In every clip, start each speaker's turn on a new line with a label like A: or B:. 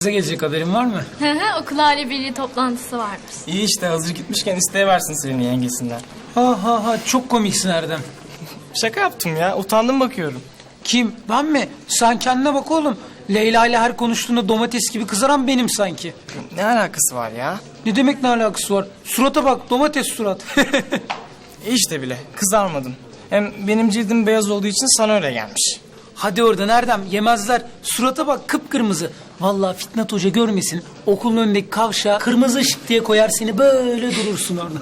A: Size gelecek haberin var mı?
B: Okul aile birliği toplantısı varmış.
C: İyi işte, hazır gitmişken isteyiversin senin yengesinden.
A: Ha çok komiksin Erdem.
C: Şaka yaptım ya, utandım bakıyorum.
A: Kim? Ben mi? Sen kendine bak oğlum. Leyla ile her konuştuğunda domates gibi kızaran benim sanki.
C: Ne alakası var ya?
A: Ne demek ne alakası var? Surata bak, domates surat.
C: İşte bile, kızarmadın. Hem benim cildim beyaz olduğu için sana öyle gelmiş.
A: Hadi oradan Erdem, yemezler. Surata bak, kıpkırmızı. Vallahi Fitnat Hoca görmesin. Okulun önündeki kavşağa kırmızı ışık diye koyar, seni böyle durursun orada.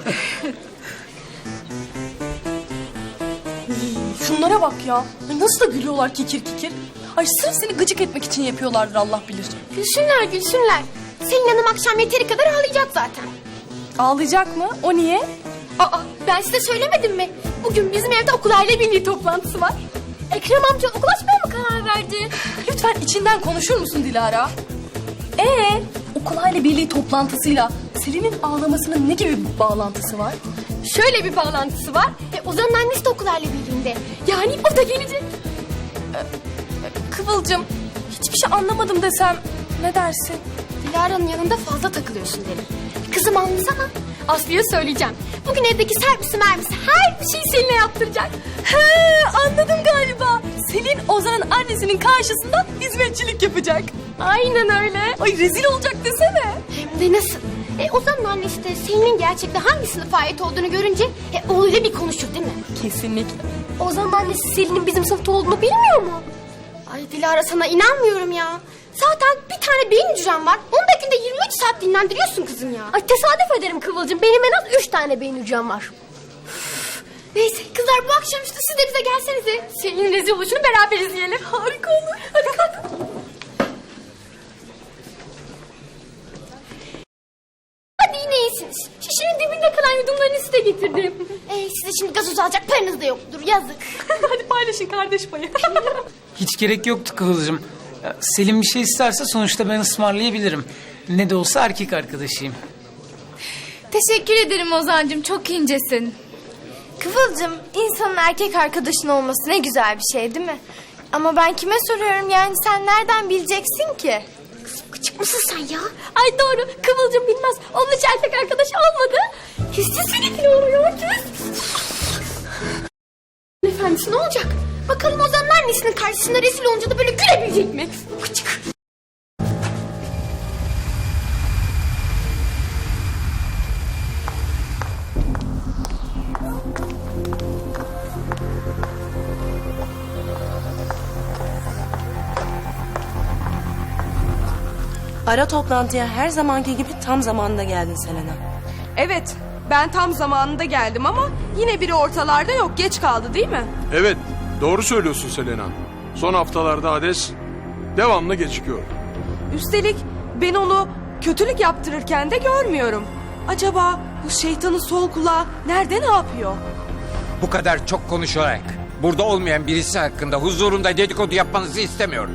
D: Şunlara bak ya. Ay nasıl da gülüyorlar kikir kikir. Ay sırf seni gıcık etmek için yapıyorlardır Allah bilir.
E: Gülsünler gülsünler. Selin Hanım akşam yeteri kadar ağlayacak zaten.
D: Ağlayacak mı? O niye?
E: Aa, ben size söylemedim mi? Bugün bizim evde okul aile birliği toplantısı var. Ekrem amca okul açmaya mı karar verdi?
D: Lütfen içinden konuşur musun Dilara? Okul aile birliği toplantısıyla Selin'in ağlamasının ne gibi bir bağlantısı var?
E: Şöyle bir bağlantısı var. Ozan'ın annesi de okul aile birliğinde. Yani o da gelecek.
D: Kıvılcım, hiçbir şey anlamadım desem ne dersin?
E: Dilara'nın yanında fazla takılıyorsun derim. Kızım anlasana. Aslı'ya söyleyeceğim. Bugün evdeki servisi mermisi her bir şeyi Selin'e yaptıracak.
D: Anladım galiba. Selin Ozan'ın annesinin karşısında hizmetçilik yapacak.
E: Aynen öyle.
D: Ay rezil olacak desene.
E: Hem de nasıl? Ozan'ın annesi de Selin'in gerçekte hangi sınıfa ait olduğunu görünce oğluyla bir konuşur değil mi?
D: Kesinlikle.
E: Ozan'ın annesi Selin'in bizim sınıfta olduğunu bilmiyor mu? Ay Dilara, sana inanmıyorum ya. Zaten bir tane beyin hücrem var. Onu da günde 23 saat dinlendiriyorsun kızım ya. Ay tesadüf ederim Kıvılcım. Benim en az 3 tane beyin hücrem var. Neyse kızlar, bu akşamüstü siz de bize gelsenize. Selin'in rezil oluşunu beraber izleyelim. Harika olur. Hadi kalk. Hadi yine iyisiniz. Şişenin dibinde kalan yudumlarını size getirdim. Size şimdi gazoz alacak paranız da yoktur. Yazık.
D: Hadi paylaşın kardeş payı.
A: Hiç gerek yoktu Kıvılcım. Ya, Selim bir şey isterse sonuçta ben ısmarlayabilirim. Ne de olsa erkek arkadaşıyım.
B: Teşekkür ederim Ozan'cığım, çok incesin.
F: Kıvılcım, insanın erkek arkadaşın olması ne güzel bir şey değil mi? Ama ben kime soruyorum, yani sen nereden bileceksin ki?
E: Gıcık mısın sen ya? Ay doğru, Kıvılcım bilmez. Onun hiç erkek arkadaş olmadı. Hissi sürekli oluyor. Efendisi ne olacak? Bakalım Ozan'ın annesinin karşısında rezil olunca da böyle gülebilecek mi? Gıcık.
G: Ara toplantıya her zamanki gibi tam zamanında geldin Selena.
D: Evet, ben tam zamanında geldim ama yine biri ortalarda yok. Geç kaldı değil mi?
H: Evet, doğru söylüyorsun Selena. Son haftalarda Hades devamlı gecikiyor.
D: Üstelik ben onu kötülük yaptırırken de görmüyorum. Acaba bu şeytanın sol kulağı nerede, ne yapıyor?
I: Bu kadar çok konuşarak burada olmayan birisi hakkında huzurunda dedikodu yapmanızı istemiyorum.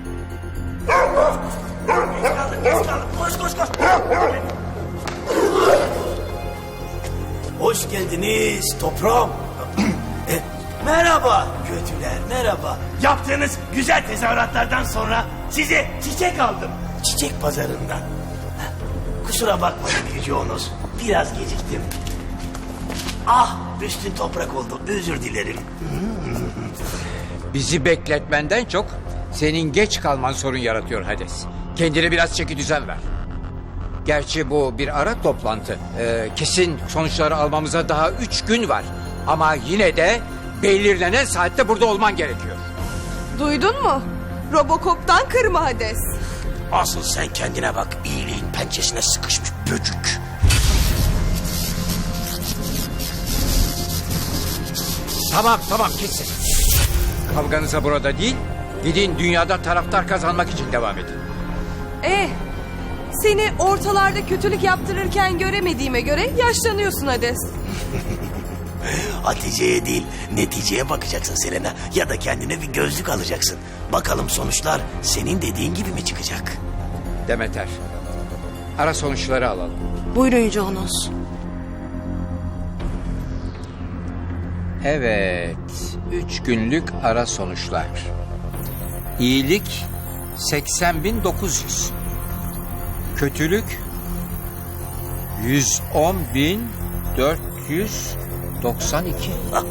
J: Hoş geldiniz toprağım. Merhaba kötüler, merhaba. Yaptığınız güzel tezahüratlardan sonra size çiçek aldım. Çiçek pazarından. Kusura bakmayın Yüce Onos. Biraz geciktim. Ah, üstün toprak oldu. Özür dilerim.
I: Bizi bekletmenden çok senin geç kalman sorun yaratıyor Hades. Kendine biraz çeki düzen ver. Gerçi bu bir ara toplantı. Kesin sonuçları almamıza daha 3 gün var. Ama yine de belirlenen saatte burada olman gerekiyor.
D: Duydun mu? Robocop'tan kırma Hades.
J: Asıl sen kendine bak. İyiliğin pençesine sıkışmış böcük.
I: Tamam kesin. Kavganıza burada değil, gidin dünyada taraftar kazanmak için devam edin.
D: Seni ortalarda kötülük yaptırırken göremediğime göre yaşlanıyorsun Hades.
J: Hatice'ye değil, neticeye bakacaksın Selena. Ya da kendine bir gözlük alacaksın. Bakalım sonuçlar senin dediğin gibi mi çıkacak?
I: Demeter, ara sonuçları alalım.
G: Buyurun Yüce Onos.
I: Evet, 3 günlük ara sonuçlar. İyilik 80.900. Kötülük 110.492.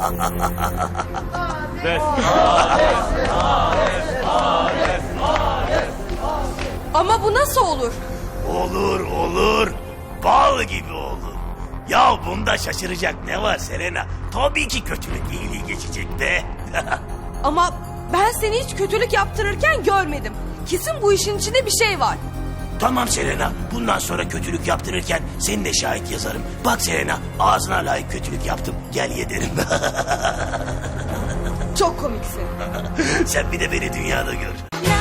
D: Ama bu nasıl olur?
J: Olur. Bal gibi olur. Ya bunda şaşıracak ne var Selena? Tabii ki kötülük iyiliği geçecek be.
D: Ama ben seni hiç kötülük yaptırırken görmedim. Kesin bu işin içinde bir şey var.
J: Tamam Selena, bundan sonra kötülük yaptırırken seni de şahit yazarım. Bak Selena, ağzına layık kötülük yaptım. Gel ye derim.
D: Çok komiksin.
J: Sen bir de beni dünyada gör.
F: La